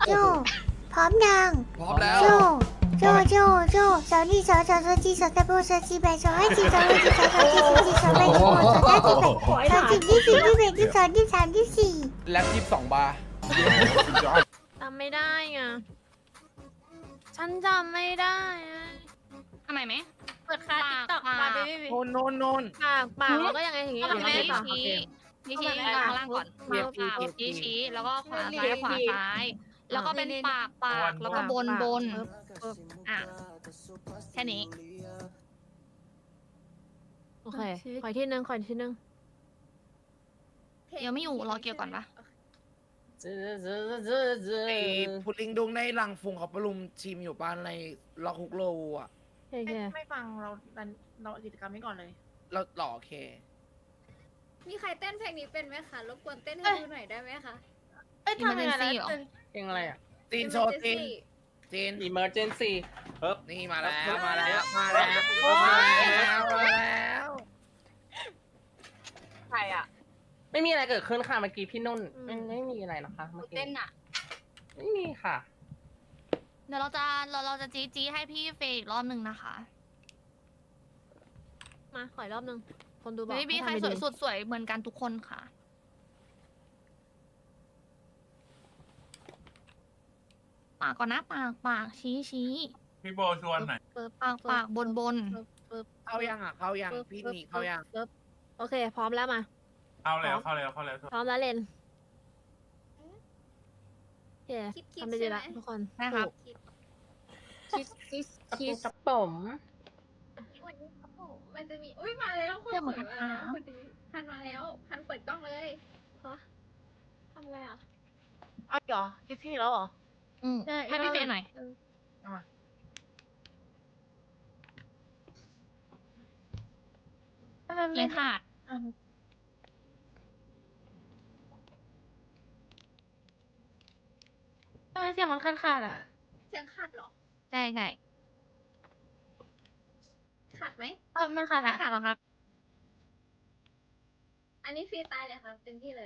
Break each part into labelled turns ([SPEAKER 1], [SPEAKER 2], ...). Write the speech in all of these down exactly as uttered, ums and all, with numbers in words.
[SPEAKER 1] โจพร้อมยัง
[SPEAKER 2] พร้อมแล้ว
[SPEAKER 1] โจโจโจโจสาวนี่สาวสาวสาวจีสาวตะโบสาวจีแบสาวให้จีสาวให้จีสาวสาวจีสาวจีสาวแบสาวสาวจีแบสาวจีที่สี่ที่แบที่สองที่สามที่สี่
[SPEAKER 2] แล็ปยี่สิบสองบาร์
[SPEAKER 3] จำไม่ได้ไงฉันจำไม่ได้อะ
[SPEAKER 4] ทำไมไหม
[SPEAKER 3] เปิดคาติ๊กต็อกมาเบบี้
[SPEAKER 2] โนนโนนโนน
[SPEAKER 3] ปากปากแล้วก็ยังไงอย่างงี้
[SPEAKER 4] ก็
[SPEAKER 3] อ
[SPEAKER 4] แบบ
[SPEAKER 3] ย่าง
[SPEAKER 4] นี้
[SPEAKER 3] งี้
[SPEAKER 4] ชี้ชี้ชี้ข้างล่างก่อน
[SPEAKER 2] เหยียบ
[SPEAKER 4] ปาก
[SPEAKER 2] เหยียบ
[SPEAKER 4] ชี้ชี้แล้วก็ขวาซ้ายขวาซ้าย แล้วก็เป็นปากปากแล้วก็บนบนอ่ะแค่นี้
[SPEAKER 3] โอเคขออีกที่นึงขออีกที่นึง
[SPEAKER 4] เดี๋ยวไม่อยู่รอเกี่ยวก่อนปะ
[SPEAKER 2] ไอ้พุดดิ้งดุงในรังฟุงเขาประลุมชิมอยู่บ้านในล็อกฮุกโลอ่ะ
[SPEAKER 3] โอเค
[SPEAKER 5] ไม่ไม่ฟังเราดันเรากิจกรรมนี้ก่อนเลย
[SPEAKER 2] เราหล่อโอเค
[SPEAKER 6] มีใครเต้นเพลงนี้เป็นไหมคะ รบกวนเต้นให้ดูหน่อยได้ไหมคะ
[SPEAKER 5] เอ้ยทำยังไงนะ
[SPEAKER 4] Emergency เหรอ
[SPEAKER 7] เพลงอะไรอ่ะ
[SPEAKER 2] จีนโชว์จีน
[SPEAKER 6] Emergency
[SPEAKER 2] จีน
[SPEAKER 7] Emergency เฮ้ย
[SPEAKER 2] นี่มาแล้วมาแล้วมาแล้วมาแล้วมาแล้ว
[SPEAKER 5] ใครอ่ะ
[SPEAKER 7] ไม่มีอะไรเกิดขึ้นค่ะเมื่อกี้พี่นุ่นไม่ไม่มีอะไรนะคะเมื่อกี้
[SPEAKER 4] เต้นอ่ะ
[SPEAKER 7] ไม่มีค่ะ
[SPEAKER 4] เดี๋ยวเราจะเราเราจะจี้จี้ให้พี่เฟย์อีกรอบหนึ่งนะคะ
[SPEAKER 3] มาขออีกรอบนึงคนดูบอก
[SPEAKER 4] ไม่มีใครสวยสุดสวยเหมือนกันทุกคนค่ะ ปากก่อนนะปากปากชี้ชี้
[SPEAKER 8] พี่โบชวนหน่อย
[SPEAKER 3] ปึ๊บ
[SPEAKER 4] ปากปากบนบน
[SPEAKER 3] ปึ๊บปึ๊บ
[SPEAKER 2] เข้ายังอ่ะเข้ายังพี่หนีเข้ายัง
[SPEAKER 3] ปึ๊บโอเค พร้อมแล้วมา
[SPEAKER 8] เข้าแล้วเข้าแล้วเข้าแล้ว
[SPEAKER 3] พร้อมแล้วเลนโอเค
[SPEAKER 6] คิดคิด
[SPEAKER 3] ทำได้ดี
[SPEAKER 6] ใช่ไหม
[SPEAKER 3] ละทุกคน
[SPEAKER 4] นะครับ
[SPEAKER 6] คิด
[SPEAKER 3] คิสคิสคิส
[SPEAKER 7] กระผม
[SPEAKER 6] วันนี้โอ้โหมันจะมี อุ้ยมาแล้วคน
[SPEAKER 4] เรื่องเหมือน
[SPEAKER 6] ส
[SPEAKER 4] กั
[SPEAKER 6] วย
[SPEAKER 4] น
[SPEAKER 6] มาแล้ว
[SPEAKER 4] นะ
[SPEAKER 6] คนนี้ทันมาแล้วทันเปิดกล้องเลยฮะทำอะไรอ่ะ
[SPEAKER 5] เอาเหรอคิดที่แล้วเหรอ
[SPEAKER 4] อืมให้พี่เฟย์หน่อย
[SPEAKER 5] ทำไม
[SPEAKER 4] เลี้ยงขาด
[SPEAKER 5] ทำไมเสียงมันขาดขาดอ่ะ
[SPEAKER 6] เสียงขาดเหรอ
[SPEAKER 4] ใช่ใช่
[SPEAKER 6] ขาดไหม
[SPEAKER 5] เออมันขาดอ่ะ
[SPEAKER 4] ขาดแล้วครับ
[SPEAKER 6] อันนี้ฟรีสไตล์เลยครับเต็มที่เลย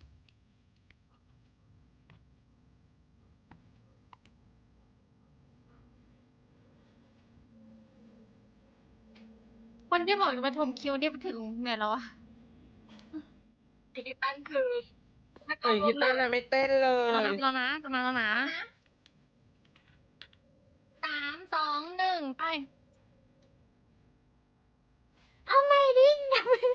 [SPEAKER 5] คนที่บอกจะมาชมคิวนี่ถึงไหนแล้วอ่ะอีกตั้นคือ
[SPEAKER 7] เอ้ยกีตาร์น่ะไม่เต้นเล
[SPEAKER 4] เรา
[SPEAKER 7] ย
[SPEAKER 4] นับแล้วนะจะมาแล้วนะสามสองหนึ่งไป
[SPEAKER 5] ทำไมดิ้ง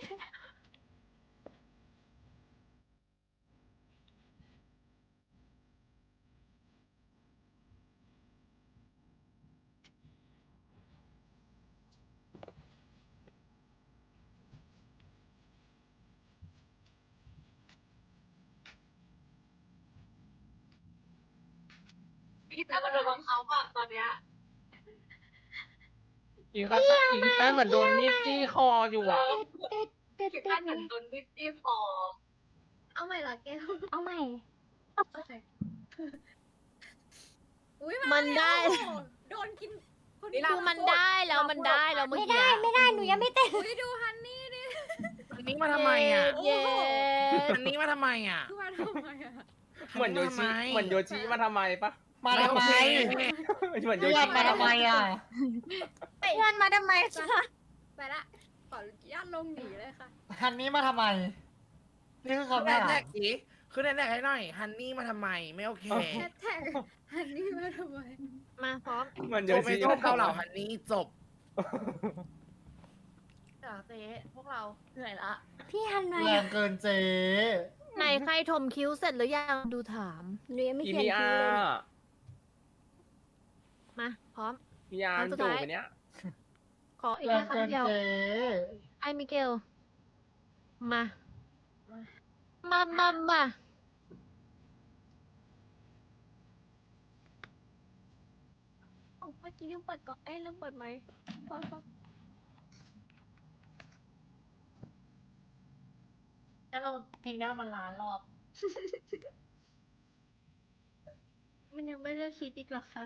[SPEAKER 5] พี่ตาโดนบังคับอ่ะตอนเนี้ย
[SPEAKER 7] อีกกีตาร์อีกกีตาร์เหมือนโดนมีดจี้คออยู่อ่ะ
[SPEAKER 5] พี่ตาเหมือนโดนวิตตี้ฟอร์
[SPEAKER 6] เอาใหม่เหรอแก้ว
[SPEAKER 5] เอาใหม่
[SPEAKER 6] อุ้ย
[SPEAKER 3] มันได้
[SPEAKER 6] โอ้โหโดนกินคน
[SPEAKER 3] คือมันได้แล้วมันได้แล้วเมื่อกี้ไม่ได้หนูยังไม่เต้น
[SPEAKER 6] อุ้ยดูฮันนี่ดิ
[SPEAKER 2] อันนี้มาทำไมอ่ะ
[SPEAKER 3] เย้
[SPEAKER 2] อันนี้มาทำไมอ่ะ
[SPEAKER 6] คือมาทำไมอะ
[SPEAKER 7] เหมือนโยชิเหมือนโยชิมาทำไมปะ
[SPEAKER 2] มาทำไม
[SPEAKER 7] เหมือนโยชิมาทำไมอ่ะ
[SPEAKER 5] เพื่อนมาทำไมคะ
[SPEAKER 6] ไปละ ขออนุญาตลงหนีเลยค่ะ
[SPEAKER 9] ฮันนี้มาทำไม นี่คือ
[SPEAKER 2] คือ
[SPEAKER 9] คำ
[SPEAKER 2] แน
[SPEAKER 9] ถาม
[SPEAKER 2] แท็กสิคือแนแท็กให้หน่อยฮันนี่มาทำไมไม่โอเค
[SPEAKER 6] แฮชแท็กฮันนี่มาทำไม
[SPEAKER 3] มาพร้อม
[SPEAKER 7] เหมือนโย
[SPEAKER 2] โจ
[SPEAKER 7] ชิ
[SPEAKER 2] ไม่ชอบเกาเหล่าฮันนี่จบ
[SPEAKER 5] เดี๋ยวเจ๊พวกเราเหนื่อยละ
[SPEAKER 1] พี่ฮันมา
[SPEAKER 9] แรงเกินเจ๊
[SPEAKER 3] ไหนใครถมคิ้วเสร็จหรือยังดูถาม
[SPEAKER 1] หนูยังไม่
[SPEAKER 7] อี
[SPEAKER 1] เขียน
[SPEAKER 7] พี
[SPEAKER 1] คิ
[SPEAKER 7] อาว
[SPEAKER 1] เลย
[SPEAKER 7] ร์
[SPEAKER 3] มาพร้อม
[SPEAKER 7] พีอาร์
[SPEAKER 3] ครั้งสุด
[SPEAKER 7] จู
[SPEAKER 3] ท้าย
[SPEAKER 7] บไปเนี้ย
[SPEAKER 3] ขออีก
[SPEAKER 9] แรง
[SPEAKER 3] ครั้
[SPEAKER 9] เกิ
[SPEAKER 3] ง
[SPEAKER 9] น
[SPEAKER 3] เดียว
[SPEAKER 9] เจ๊
[SPEAKER 3] ไอ้มิเกล มา มามามา
[SPEAKER 6] เมื่อกี้ลืมเปิดกล้องเอ้ยลืมเปิดไมค์พอพอ
[SPEAKER 5] แล้วเราเพลงหน้ามันล้านรอบ
[SPEAKER 6] มันยังไม่ได้คิดอีกเหรอคะ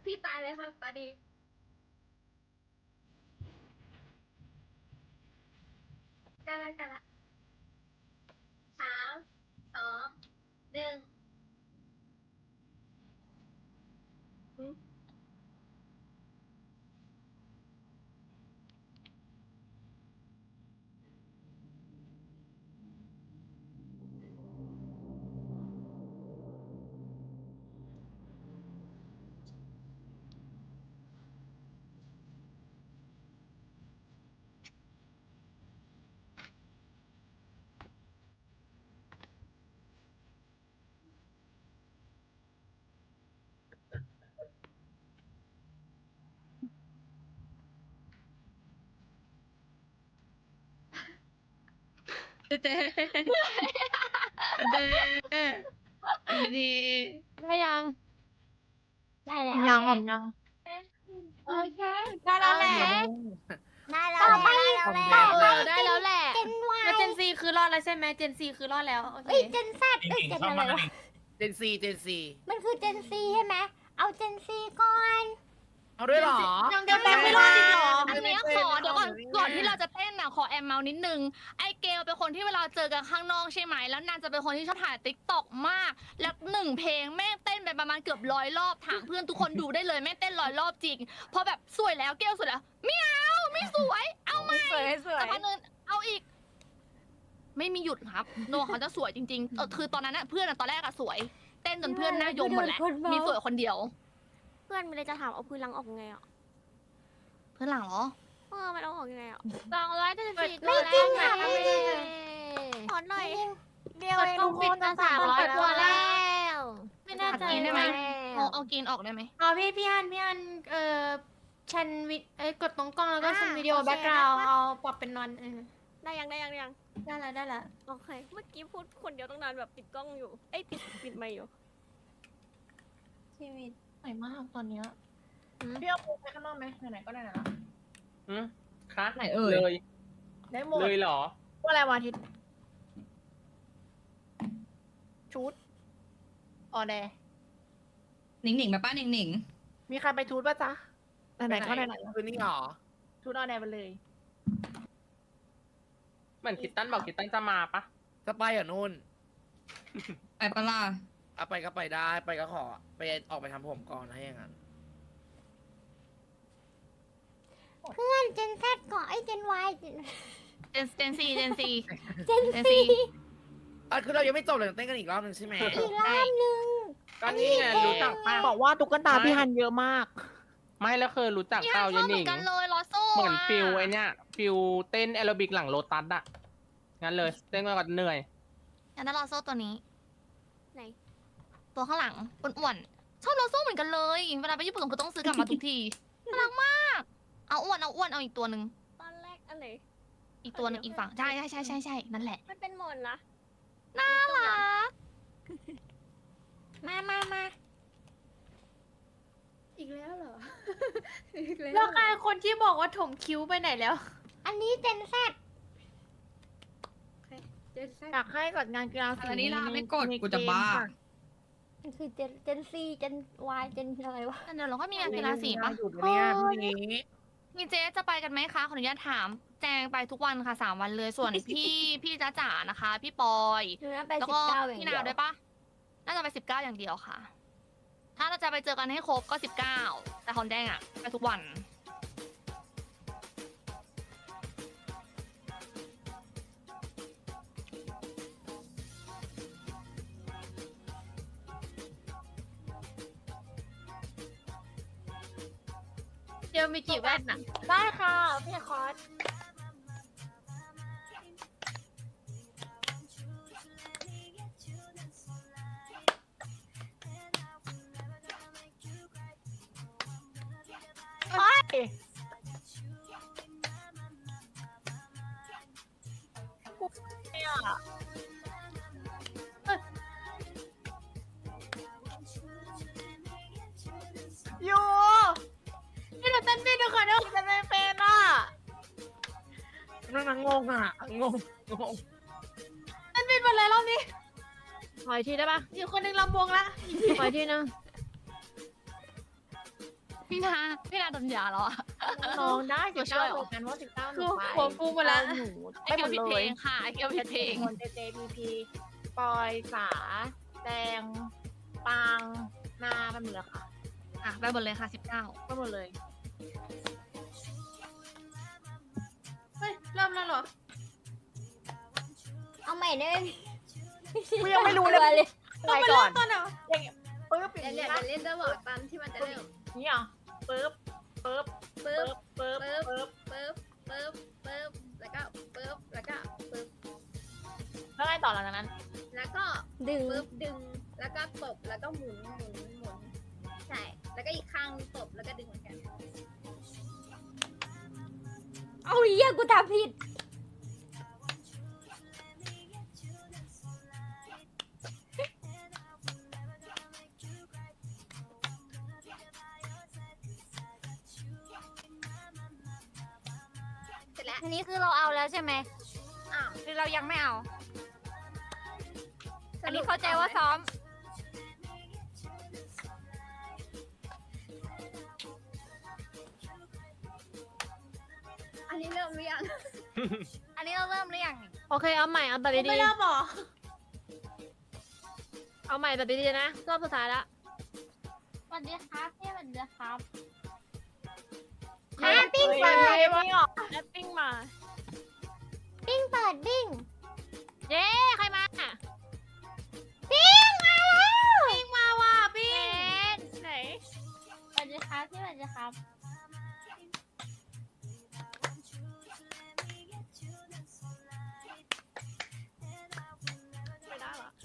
[SPEAKER 5] พี่ตายเลยค่ะตอนนี้กันละกันละสามสองหนึ่ง
[SPEAKER 3] เจ๊เจ๊ดี
[SPEAKER 4] ได้ยัง
[SPEAKER 5] ได้แล้ว
[SPEAKER 3] ยังผมยัง
[SPEAKER 5] โอเค
[SPEAKER 3] ได้แล้วแหละ
[SPEAKER 1] ได้แล้วแหละได้แล้วแหละ
[SPEAKER 3] เออได้แล้วแหละ
[SPEAKER 1] เจนวาย
[SPEAKER 3] แล้วเจนซีคือรอดแล้วใช่ไหมเจนซีคือรอดแล้วโอเค
[SPEAKER 1] เอ้ยเจนแซด
[SPEAKER 8] จ
[SPEAKER 1] เอ้ย
[SPEAKER 8] ริง
[SPEAKER 1] เจ
[SPEAKER 8] ๆ
[SPEAKER 1] น
[SPEAKER 8] เข้า
[SPEAKER 1] อะไร
[SPEAKER 8] มาว
[SPEAKER 1] ะ
[SPEAKER 2] เจนซีเจนซี
[SPEAKER 1] มันคือเจนซีใช่ไหมเอาเจนซีก่อน
[SPEAKER 2] เอาด้วยเหรอ
[SPEAKER 3] ยังจะแบงไม่รอดอีกเหรอ
[SPEAKER 4] อันเนี้ยขอเดี๋ยวก่อนก่อนที่เราจะเต้นอ่ะขอแอมเมานิดนึงไอเกลเป็นคนที่เวลาเจอกันข้างนอกใช่ไหมแล้วนางจะเป็นคนที่ชอบถ่ายติ๊กต็อกมาก แล้วหนึ่งเพลงแม่งเต้นไปประมาณเกือบร้อยรอบถามเพื่อนทุกคนดูได้เลยแม่งเต้นร้อยรอบจริงพอแบบสวยแล้วเกลสวยแล้วไม่เอาไม่สวยเอาใหม่
[SPEAKER 3] สวยสวย
[SPEAKER 4] แต่พันนึงเอาอีก ไม่มีหยุดครับโนเขาจะสวยจริงๆเออคือตอนนั้นน่ะเพื่อนอะตอนแรกอะสวย เต้นจนเพื่อนหน้ายมหมดแล้วมีสวยคนเดียว
[SPEAKER 6] เพื่อนมันเลยจะถามเอาพื้นหลังออกไงอ่ะ
[SPEAKER 4] เพื่อนหลังเหรอ
[SPEAKER 6] เออมันเอาออกยังไงอ่ะ
[SPEAKER 3] สองร้อยเจ็ดสิบสี่
[SPEAKER 1] ไม่จริงค่ะ
[SPEAKER 3] ไม่
[SPEAKER 1] ไม่
[SPEAKER 3] ได้
[SPEAKER 1] จริง
[SPEAKER 6] ขอหน่อย
[SPEAKER 1] เดียว
[SPEAKER 3] กด
[SPEAKER 1] เอง
[SPEAKER 3] ต้องปิดมาสามร้อยตัวแล้ว ไม่น่าจะ
[SPEAKER 4] กินได้ไหมเอาเอากินออกได้ไหม
[SPEAKER 3] อ๋อพี่พี่ฮันพี่ฮันเอ่อชันวิเอ้ยกดตรงกล้องแล้วก็
[SPEAKER 6] อ่า
[SPEAKER 3] ชันวิดีโอ
[SPEAKER 6] โอเค
[SPEAKER 3] แบ็กกราวด์
[SPEAKER 6] ได้ปะ
[SPEAKER 3] เอาปรับเป็นนอนเออ
[SPEAKER 6] ได้ยังได้ยังได้ยัง
[SPEAKER 3] ได้แล้วได้แล้ว
[SPEAKER 6] โอเค เมื่อกี้พูดคนเดียวตั้งนานแบบปิดกล้องอยู่ เอ้ยปิดปิดไมค์อยู่
[SPEAKER 3] ชีวิตสวยมากตอนเนี้ย
[SPEAKER 5] พี่เอาไปข้างนอกไหมไหนๆก็ได้นะ
[SPEAKER 7] อืมคะ
[SPEAKER 3] ไหนเอ่ย
[SPEAKER 7] เลย
[SPEAKER 5] ได้หมด
[SPEAKER 7] เลยเหรอ
[SPEAKER 3] ว่าอะไรวันอาทิตย์ชุดออแด
[SPEAKER 10] หนิงหนิงไปป้าหนิงหนิง
[SPEAKER 3] มีใครไปชุดป่ะจ๊ะไหนๆก็ไหน
[SPEAKER 2] คืนนี้เหรอ
[SPEAKER 3] ๆชุดออแดไปเลย
[SPEAKER 7] เหมือนคิตตันบอกคิตตันจะมาปะ
[SPEAKER 2] จะไปอ่ะนุ่น
[SPEAKER 10] ไปปะล่ะ
[SPEAKER 2] เอาไปก็ไปได้ไปก็ขอไปออกไปทำผมก่อนนะอย่างนั้น
[SPEAKER 1] เพื่อนเจนแซดก่อนไอ้เจนวายเจน
[SPEAKER 4] เจนเจนซีเจนซี
[SPEAKER 1] เจน
[SPEAKER 4] เจน
[SPEAKER 1] ซี
[SPEAKER 4] ซี
[SPEAKER 2] อ่ะคือเรายังไม่จบเลยเต้นกันอีกรอบหนึ่งใช่ไหม
[SPEAKER 1] อีกรอบนึง
[SPEAKER 7] ก็นี่ไงรู้จักป้า
[SPEAKER 3] บอกว่าตุ๊กตาพี่ฮันเยอะมาก
[SPEAKER 7] ไม่แล้วเคยรู้จัก
[SPEAKER 4] พี่
[SPEAKER 7] เป
[SPEAKER 4] ฮั
[SPEAKER 7] ล่าน
[SPEAKER 4] ช
[SPEAKER 7] ยา
[SPEAKER 4] อบ
[SPEAKER 7] ย
[SPEAKER 4] เห
[SPEAKER 7] ห
[SPEAKER 4] มื
[SPEAKER 7] นิ
[SPEAKER 4] อน
[SPEAKER 7] ง
[SPEAKER 4] กันเลยลอโซ่
[SPEAKER 7] เหมือน
[SPEAKER 4] อะ
[SPEAKER 7] ฟิลไอเนี้ยฟิลเต้นแอโรบิกหลังโลตัสอะงั้นเลย เต้นมาก่อนเหนื่อย
[SPEAKER 4] อันนั้นลอโซ่ตัวนี้
[SPEAKER 6] ไหน
[SPEAKER 4] ตัวข้างหลังอ้วนๆชอบลอโซ่เหมือนกันเลย เวลาไปญี่ปุ่นก็ต้องซื้อกลับมาทุกทีน่ารักมาก เอาอ้วนเอาอ้วนเอาอีกตัวหนึ่ง
[SPEAKER 6] ตอนแรกอะไร
[SPEAKER 4] อีกตัวหนึงอีกฝั่งใช่ใช่ใช่ใช่ใช่นั่นแหละ
[SPEAKER 6] มันเป็นหมอนนะ
[SPEAKER 4] น่ารัก
[SPEAKER 1] มามามา
[SPEAKER 5] อีกแล้วเหรอ อีกแล้ว
[SPEAKER 3] แล้วใครคนที่บอกว่าถมคิ้วไปไหนแล้ว
[SPEAKER 1] อันนี้เจนแซด
[SPEAKER 5] เจนแซด
[SPEAKER 3] อยากให้กดงานกีฬาสี
[SPEAKER 10] อันนี้ลาไม่กดกูจะบ้า
[SPEAKER 1] มันคือเจนเจนซีเจนวายเจนอะไรวะ
[SPEAKER 4] เดี๋ยวเราก็มีงานกีฬาสีปะ
[SPEAKER 2] หยุดเนี่ยพรุ่งนี้
[SPEAKER 4] มีเจ๊จะไปกันไหมคะขออนุญาตถาม แจงไปทุกวันค่ะสามวันเลย ส่วนพี่พี่จ้าจ๋านะคะ พี่ปอย
[SPEAKER 1] หนูนะไป
[SPEAKER 4] แล้ว
[SPEAKER 1] สิ
[SPEAKER 4] ก็
[SPEAKER 1] บเก้าอย่าง
[SPEAKER 4] พี่
[SPEAKER 1] เดี
[SPEAKER 4] นา
[SPEAKER 1] ยว
[SPEAKER 4] ด้วยปะน่าจะไปสิบเก้าอย่างเดียวค่ะ ถ้าเราจะไปเจอกันให้ครบก็สิบเก้าแต่ฮอนแดงอะไปทุกวัน
[SPEAKER 3] เดียวมีกี่แว่นน่ะ
[SPEAKER 5] ได้ค่ะ พี่คอส
[SPEAKER 3] อยู่นี่เราเต้นพี่ดูก่อนนะจะไม่เป็นอ่ะ
[SPEAKER 2] นั่นนะงงอ่ะงงงง
[SPEAKER 3] เต้นพี่เป็นไรรอบนี้ขออีกทีได้ปะอีกคนหนึ่งลำวงละขออีกทีนึง
[SPEAKER 4] พี่นาพี่นาโดนยาแล้วอะ
[SPEAKER 3] น้องได้
[SPEAKER 4] ตั
[SPEAKER 3] สิ
[SPEAKER 4] ว
[SPEAKER 3] บ
[SPEAKER 4] ช่ว
[SPEAKER 3] เก้าย
[SPEAKER 4] เหรอ
[SPEAKER 3] เหมือนกันว่าสิบเก้าห
[SPEAKER 5] คื
[SPEAKER 3] นู
[SPEAKER 5] อ
[SPEAKER 3] ไป
[SPEAKER 5] หัวฟูมาแล้ว
[SPEAKER 3] หนู
[SPEAKER 4] ไอ
[SPEAKER 3] ไป
[SPEAKER 4] เก
[SPEAKER 3] หม
[SPEAKER 4] ล
[SPEAKER 3] ด
[SPEAKER 4] ผิด
[SPEAKER 3] เล
[SPEAKER 4] เพล
[SPEAKER 3] ย
[SPEAKER 4] งค่ะไอเกลผิดเพลง
[SPEAKER 3] คนเจเจพีพีปอยสาแดงปางนาไปหมดเลยค่ะ
[SPEAKER 4] อ่ะไปหมดเลยค่ะสิบเก้า
[SPEAKER 3] ไปหมดเลย
[SPEAKER 5] เฮ้ยเริ่มแล้วเหรอ
[SPEAKER 1] เอาใหม่ได้ไหม
[SPEAKER 3] กูยังไม่รู้เลย
[SPEAKER 1] เลย
[SPEAKER 3] ไปก่อน
[SPEAKER 5] ตอนเหรอ
[SPEAKER 3] อย่างเงี้ยปึ๊บอย่าง
[SPEAKER 6] เดี๋ยว
[SPEAKER 3] นี้
[SPEAKER 6] เดี๋ยว
[SPEAKER 3] นะ
[SPEAKER 6] เล่นจะบอกตามที่มันจะเริ่ม
[SPEAKER 3] นี่เหรอปึ๊บปึ๊บ
[SPEAKER 6] ปึ๊บ
[SPEAKER 3] ปึ๊บปึ๊บ
[SPEAKER 6] ปึ๊บ
[SPEAKER 3] ปึ๊บ
[SPEAKER 6] ปึ๊บปึ๊บปึ๊บแล้วก็ปึ๊บแล้วก็ปึ๊บ
[SPEAKER 3] แล้วไงต่อหลังจากนั้น
[SPEAKER 6] แล้วก็
[SPEAKER 1] ดึง
[SPEAKER 6] ปึ๊บดึงแล้วก็ตบแล้วก็หมุนหมุนหมุนใช่แล้วก็อีกข้างตบแล้วก็ดึงเหมือนกัน
[SPEAKER 1] เอาเหี้ยกูทำผิด
[SPEAKER 6] เสร็จแล้ว
[SPEAKER 1] อันนี้คือเราเอาแล้วใช่ไหม
[SPEAKER 6] อ้าว
[SPEAKER 1] หรือเรายังไม่เอา
[SPEAKER 6] ส
[SPEAKER 1] อัน
[SPEAKER 6] รุ
[SPEAKER 1] นี้
[SPEAKER 6] ป
[SPEAKER 1] เข้าใจว่าซ้อม
[SPEAKER 6] อันนี้เริ่มหรือยัง
[SPEAKER 1] อันนี้เราเริ่มหรือยัง
[SPEAKER 3] โอเคเอาใหม่เอาแบบ
[SPEAKER 5] ไม่
[SPEAKER 3] ดี
[SPEAKER 5] เริ่มเหรอ
[SPEAKER 3] ๆเอาใหม่แบบดีๆนะรอบสุดท้ายละ
[SPEAKER 1] สวัสดีครับพี่สวัสดีครับ
[SPEAKER 3] ใครปิ้งเปิดปิ้งออกแอปปิ้งมา
[SPEAKER 1] ปิ้งเปิดปิ้ง
[SPEAKER 3] เย้ใครมา
[SPEAKER 1] ปิ้งมาแล้ว
[SPEAKER 5] ปิ้งมาว่ะปิ้ง
[SPEAKER 3] ไหน
[SPEAKER 1] สวัสดีครับพี่สวัสดีครับ
[SPEAKER 3] ไม่ได้หรอ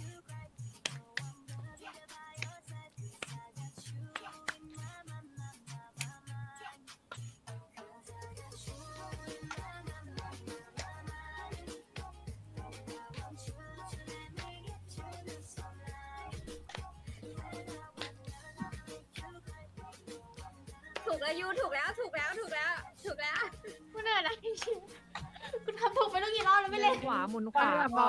[SPEAKER 6] ถูกแล้วยูถูกแล้วถูกแล้วถูกแล้วถูกแล้ว
[SPEAKER 5] กูเหนื่อยนะจริงๆกูทำถูกไปตั้งกี่รอบแล้วไม่เล่น
[SPEAKER 3] ขวาหมุนขวาก่อน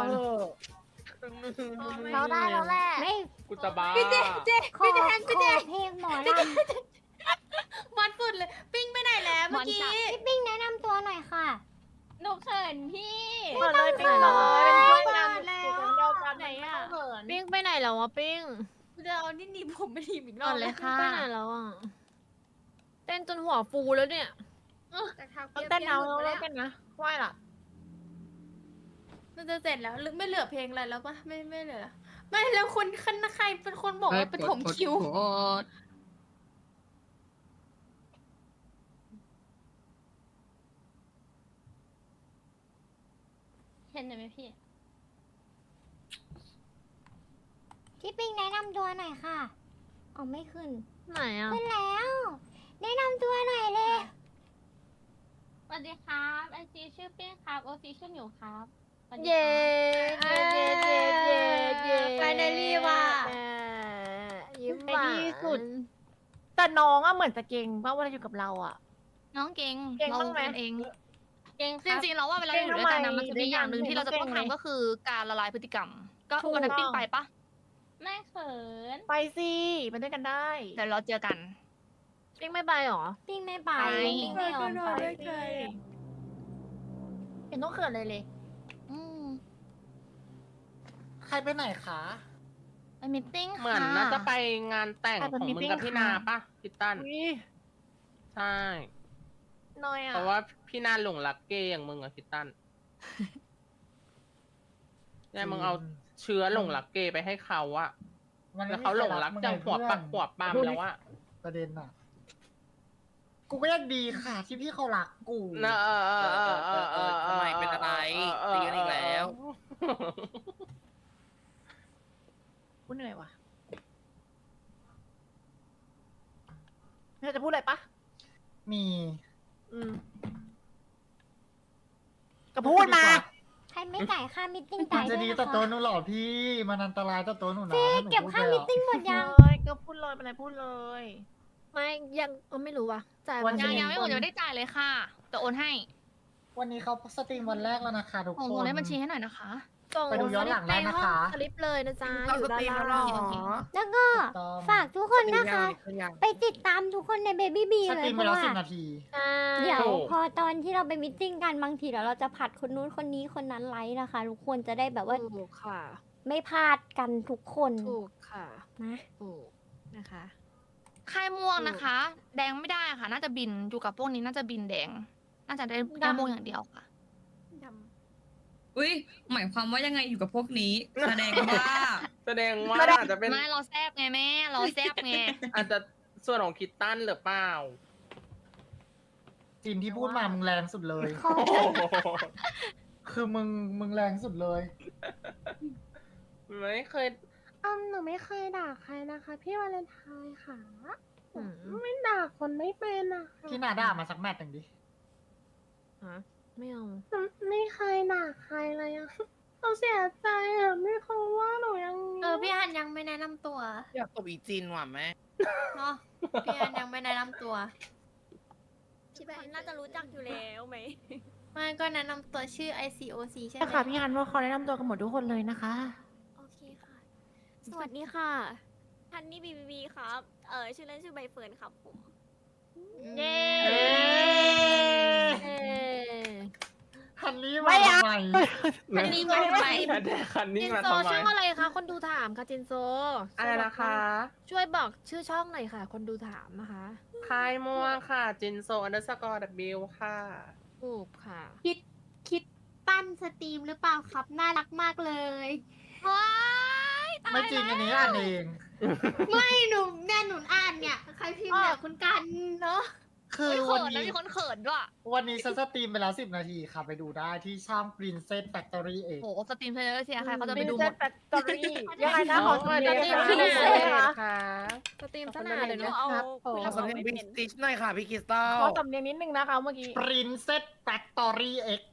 [SPEAKER 1] เราได้แล้วแหละไม่
[SPEAKER 7] กูจะบ้า
[SPEAKER 5] พี่เจเจ
[SPEAKER 1] ขอ
[SPEAKER 5] พี่แจน
[SPEAKER 1] ข
[SPEAKER 5] พี่แจ
[SPEAKER 1] อน เพลงหมอล
[SPEAKER 5] มันสุดเลย ปิ้งไปไหนแล้วเมื่อกี้
[SPEAKER 1] ำพี่ปิ้งแนะนำตัวหน่อยค่ะ
[SPEAKER 5] หนูเขินพี่
[SPEAKER 3] เปิดเลยปิ้งเลยเป็นเพื่อนกัน
[SPEAKER 5] แล้
[SPEAKER 3] อยู่
[SPEAKER 5] ว
[SPEAKER 3] กันเดียวกัน
[SPEAKER 5] ไหนอะ
[SPEAKER 3] เขินปิ้งไปไหนแล้ววะปิ้ง
[SPEAKER 5] กูจะเอานี่หนีบผมไปหนีบอีกร
[SPEAKER 3] น
[SPEAKER 5] อ
[SPEAKER 3] อบ นเลยค่ะไปไหนแล้วอ่ะเต้นจนหัวฟูแล้วเนี่ย
[SPEAKER 6] จากทาง
[SPEAKER 3] ต้
[SPEAKER 6] เปี
[SPEAKER 3] อง
[SPEAKER 6] ย
[SPEAKER 3] เต้น
[SPEAKER 6] เปีย
[SPEAKER 3] เอา
[SPEAKER 6] หลุดไป
[SPEAKER 3] แล้
[SPEAKER 6] แล้ว ว
[SPEAKER 3] กันนะไหวล่ะ
[SPEAKER 5] มันจะเสร็จแล้วหรือไม่เหลือเพลงอะไรแล้วปะไม่ไม่เหลือแล้วไม่แล้วคนคันใครเป็นคนบอกว่าเป็นถมคิว เห็นไหมพี่
[SPEAKER 1] พี่ปิ้งแนะนำตัวหน่อยค่ะอ๋อไม่ขึ้น
[SPEAKER 3] ไหนอ่ะ
[SPEAKER 1] ขึ้นแล้ว แนะนำตัวหน่อยเลย
[SPEAKER 5] สวัสดีครับไอจีชื่อปิ้งครับโอซีชื่อหมิวครับสวัสดี
[SPEAKER 3] เย้
[SPEAKER 5] ครั
[SPEAKER 3] เย้
[SPEAKER 5] บ
[SPEAKER 3] เย้เย้เย้
[SPEAKER 5] Finally ว่ะ
[SPEAKER 3] แหมยิ้มห
[SPEAKER 5] ใน
[SPEAKER 3] วาน
[SPEAKER 5] ที่สุด
[SPEAKER 3] แต่น้องอะเหมือนจะเก่งป่ะเวลาอยู่กับเราอะ
[SPEAKER 4] น้องเก่ง
[SPEAKER 3] เก่ง
[SPEAKER 4] เรา
[SPEAKER 3] บ้างไหม
[SPEAKER 4] เป็นเอง
[SPEAKER 5] เก่งค
[SPEAKER 4] จ
[SPEAKER 5] รับ
[SPEAKER 4] ริงๆเราว่าเวลาอยู่ด้วยกันนะมันจะมีอย่างหนึ่งที่เราจะต้อง
[SPEAKER 3] เก่งไหม
[SPEAKER 4] ทำก็คือการละลายพฤติกรรม ก็
[SPEAKER 3] ถูก
[SPEAKER 4] วันนั้นปิ้งไปปะ
[SPEAKER 5] ไม่เขิน
[SPEAKER 3] ไปสิไปด้วยกันได้
[SPEAKER 4] เดี๋ยวเราเจอกัน
[SPEAKER 3] ปิ้งไม่ไปหรอ
[SPEAKER 1] ปิ้งไม่ไป
[SPEAKER 4] ไป
[SPEAKER 1] ปิ้งไม่ยอมไป
[SPEAKER 3] ไปสิเห็นต้องเขินเลยเลย
[SPEAKER 4] อืม
[SPEAKER 9] ใครไปไหนคะ
[SPEAKER 4] ไปมิทติ้ง
[SPEAKER 7] เหมือนน่าจะไปงานแต่งของมึงกับพี่นาป่ะพี่ตั้น
[SPEAKER 3] อุ้ย
[SPEAKER 7] ใช่
[SPEAKER 3] น้อยอะ
[SPEAKER 7] เพราะว่าพี่นาหลงรักเกย์อย่างมึงอะพี่ตั้นเนี่ยมึงเอาเชื้อหลงรักเกย์ไปให้เขาอะ
[SPEAKER 9] มัน
[SPEAKER 7] แล้วเขาหลงรักจังหัวปักหัวปามแล้วอะ
[SPEAKER 9] ประเด็นอ่ะ กูก็ยังดีค่ะ ที่พี่เขารักกู
[SPEAKER 7] เนอะเออเออเออเออเออ
[SPEAKER 2] ทำไมเป็นอะไรตีกันอีกแล้ว
[SPEAKER 3] กูเหนื่อยว่ะเธอจะพูดอะไรปะ
[SPEAKER 9] มี
[SPEAKER 3] อืมก็พูดมา
[SPEAKER 1] ใครไม่จ่ายค่ามิทติ้ง
[SPEAKER 9] มั
[SPEAKER 1] จ่าน ย
[SPEAKER 9] จะ
[SPEAKER 1] ด้วย
[SPEAKER 9] ดี
[SPEAKER 1] นะ
[SPEAKER 9] ต่อตัว
[SPEAKER 1] คะ
[SPEAKER 9] หนูเหรอพี่ มันอันตรายต่อตัวหนูนะ
[SPEAKER 1] พี่
[SPEAKER 9] ถ้าหนู
[SPEAKER 1] เก็บ
[SPEAKER 9] พูด
[SPEAKER 1] ค่า
[SPEAKER 9] ไป
[SPEAKER 1] มิ
[SPEAKER 9] อะ
[SPEAKER 1] ทติ้งหมดยัง
[SPEAKER 3] เลยก็พูดเลยเป็นไรพูดเลย ไม่ยังเออไม่รู้ว่ะจ่าย
[SPEAKER 9] วั
[SPEAKER 3] วัน น
[SPEAKER 9] นี้
[SPEAKER 4] ยังยังไม่หมดยังไม่ได้จ่ายเลยค่ะแต่โอนให้
[SPEAKER 9] วันนี้เขาสตรีมวันแรกแล้วนะคะทุก
[SPEAKER 4] ส่ง
[SPEAKER 9] ค
[SPEAKER 4] ส่ง
[SPEAKER 9] น
[SPEAKER 4] เลขบัญชีให้หน่อยนะคะ
[SPEAKER 6] ส่ง
[SPEAKER 9] ไปดูย้อนหลังได้นะคะ
[SPEAKER 6] สลิปเลยนะจ๊ะ
[SPEAKER 2] เข้า
[SPEAKER 6] อยู่
[SPEAKER 2] ส
[SPEAKER 6] ด้าน
[SPEAKER 2] ตรีมแล้วเหร
[SPEAKER 6] ล่า
[SPEAKER 2] อง
[SPEAKER 1] แล้วก็
[SPEAKER 9] ต้อง
[SPEAKER 1] ฝากทุกคนนะคะ
[SPEAKER 2] ขึ้นยัง
[SPEAKER 1] ไปติดตามทุกคนใน Baby B
[SPEAKER 9] ส
[SPEAKER 1] เล
[SPEAKER 9] ตรี
[SPEAKER 1] ย
[SPEAKER 9] ม
[SPEAKER 1] เพ
[SPEAKER 9] ไป
[SPEAKER 1] ราะ
[SPEAKER 9] แล้ว
[SPEAKER 1] ว่า
[SPEAKER 9] สิบนาที
[SPEAKER 6] ใช่
[SPEAKER 1] เดี๋ยวพอตอนที่เราไปมิทติ้งกันบางทีเดี๋ยวเราจะผัดคนนู้นคนนี้คนนั้นไลฟ์นะคะ ทุกคนจะได้แบบว่า
[SPEAKER 6] ถูกค่ะ
[SPEAKER 1] ไม่พลาดกันทุกคน
[SPEAKER 6] ถูกค่ะ
[SPEAKER 1] นะ
[SPEAKER 6] ถูกนะคะ
[SPEAKER 4] ค่ายม่วงนะคะ แดงไม่ได้ค่ะ น่าจะบินอยู่กับพวกนี้น่าจะบินแดง น่าจะได้แค่ม่วงอย่างเดียวค่ะ
[SPEAKER 10] อุ้ยหมายความว่ายังไงอยู่กับพวกนี้ แสดงว่า
[SPEAKER 7] แสดงว่าอาจจะเป็น
[SPEAKER 4] ไม่เราแซบไงแม่ เราแซบไง
[SPEAKER 7] อาจจะส่วนของคิตตันหรือเปล่า
[SPEAKER 9] จินที่พูดมามึงแรงสุดเลย
[SPEAKER 1] ขอ
[SPEAKER 9] คือมึงมึงแรงสุดเลย
[SPEAKER 7] ไม่เคย
[SPEAKER 3] อืมหนูไม่เคยด่าใครนะคะ พี่วาเลนไทน์ค่ะ
[SPEAKER 6] อืม
[SPEAKER 3] ไม่ด่าคนไม่เป็นอะค่ะ
[SPEAKER 9] พี่นาด่ามาสักแมตช์หนึ่งดิ
[SPEAKER 6] ฮะไม่เอา
[SPEAKER 3] หนูไม่เคยด่าใครเลยอะเขาเสียใจอะไม่เขาว่าหนูยัง
[SPEAKER 5] เออพี่ฮันยังไม่แนะนำตัว
[SPEAKER 2] อยากตบอีจินว่ะแม่
[SPEAKER 5] เนาะพี่ฮันยังไม่แนะนำตัว
[SPEAKER 6] คิดว่า
[SPEAKER 1] น่าจะรู้จักอยู่แล้วไหม
[SPEAKER 5] ไม่ก็แนะนำตัวชื่อ ไอ ซี โอ ซี ใช่ไหม
[SPEAKER 3] ใช่ค่ะพี่ฮันว่าเขาแนะนำตัวกันหมดทุกคนเลยนะคะ
[SPEAKER 1] โอเคค่ะ สวัสดีค่ะฮันนี่บีบีบีครับ เออชื่อเล่นชื่อใบเฟิร์นครับผม
[SPEAKER 6] เย้
[SPEAKER 9] เอ๊ะ
[SPEAKER 6] เอ๊ะ
[SPEAKER 9] ฮันนี่มาทำไม
[SPEAKER 5] อันนี้มาทำไม
[SPEAKER 7] แต่คันนี้
[SPEAKER 6] จิน
[SPEAKER 7] มา
[SPEAKER 6] โซ
[SPEAKER 7] ทำไม
[SPEAKER 6] ช่องอะไรคะคนดูถามค่ะจินโซ
[SPEAKER 7] อะไรนะคะ
[SPEAKER 6] ช่วยบอกชื่อช่องหน่อยค่ะ คนดูถามนะคะ
[SPEAKER 7] คายม่วงค่ะ จินโซอันเดอร์สกอร์ดับบิลค่ะ
[SPEAKER 6] ถูกค่ะ
[SPEAKER 5] คิดคิดตั้นสตรีมหรือเปล่าครับ น่ารักมากเลย
[SPEAKER 4] ว้ายตาย
[SPEAKER 9] ไม่จริงอันนี้อ่านเอง
[SPEAKER 5] ไม่หนูแน่หนูอ่านเนี่ย ใครพิมพ์เนี่ยคุณกันเนาะ
[SPEAKER 9] คือ
[SPEAKER 4] เฮ้ย
[SPEAKER 9] วั
[SPEAKER 4] เขิ
[SPEAKER 9] น
[SPEAKER 4] นนะ
[SPEAKER 9] นี้
[SPEAKER 4] มีคนเขินด้วย
[SPEAKER 9] วันนี้ฉันสตรีมไปแล้วสิบนาทีค่ะ ไปดูได้ที่ช่อง Princess Factory เอง
[SPEAKER 4] โอ้โหสตรีมเพลเยอร์เชียร์ใครเขาจะไปดูหมด
[SPEAKER 6] แฟคตอรี่ยังไงนะขอสำเนียง
[SPEAKER 4] สตรีม
[SPEAKER 6] สนาเลยค่ะ
[SPEAKER 7] ค่ะ
[SPEAKER 6] สตรีมสนาเลยนะครับผม
[SPEAKER 2] ขอสำเนียงบิ๊กสติชหน่อยค่ะพี่คริสตัล
[SPEAKER 6] ขอสำเนียงนิดนึงนะคะเมื่อกี้
[SPEAKER 9] Princess Factory X